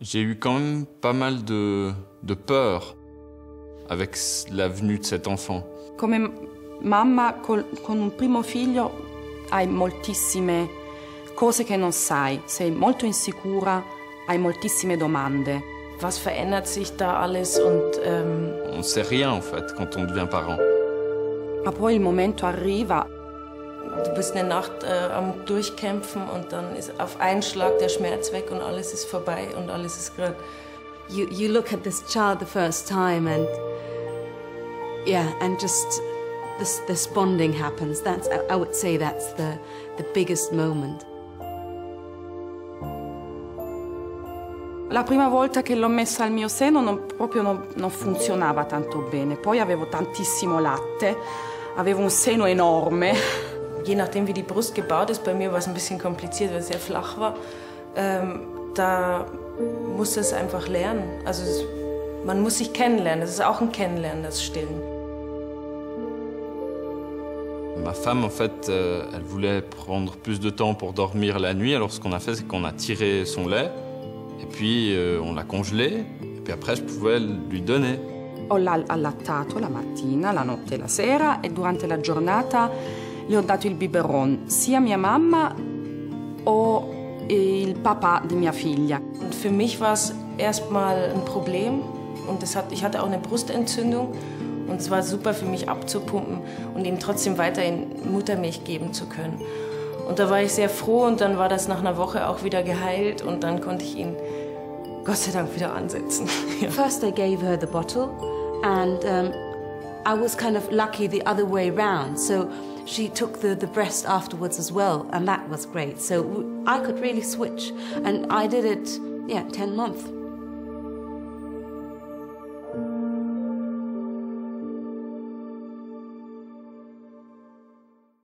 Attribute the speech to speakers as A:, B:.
A: J'ai eu quand même pas mal de peur avec la venue de cet enfant.
B: Come mamma con un primo figlio hai moltissime cose che non sai, sei molto insicura, hai moltissime domande.
C: Was verändert sich da alles und
A: On ne sait rien en fait quand on devient parent.
B: Ma poi il momento arriva.
C: Du bist eine Nacht am Durchkämpfen und dann ist auf einen Schlag der Schmerz weg und alles ist vorbei und alles ist gerade.
D: You look at this child the first time and yeah, and just this bonding happens. That's, I would say that's the biggest moment.
B: La prima volta che l'ho messa al mio seno non funzionava tanto bene. Poi avevo tantissimo latte, avevo un seno enorme.
C: Je nachdem, wie die Brust gebaut ist, bei mir war es ein bisschen kompliziert, weil es sehr flach war. Da musste es einfach lernen. Also man muss sich kennenlernen. Das ist auch ein Kennenlernen, das Stillen.
A: Ma femme, en fait, elle voulait prendre plus de temps pour dormir la nuit. Alors ce qu'on a fait, c'est qu'on a tiré son lait, et puis on l'a congelé, et puis après je pouvais lui donner.
B: Ho allattato la mattina, la notte e la sera, e durante la giornata le ho dato il biberon, sia mia mamma o il papà di mia figlia.
C: Und für mich war es erstmal ein Problem und ich hatte auch eine Brustentzündung und es war super für mich abzupumpen und ihm trotzdem weiterhin Muttermilch geben zu können. Und da war ich sehr froh und dann war das nach einer Woche auch wieder geheilt und dann konnte ich ihn Gott sei Dank wieder ansetzen. Ja.
D: First I gave her the bottle and I was kind of lucky the other way round. So she took the breast afterwards as well, and that was great. So I could really switch, and I did it, yeah, 10 months.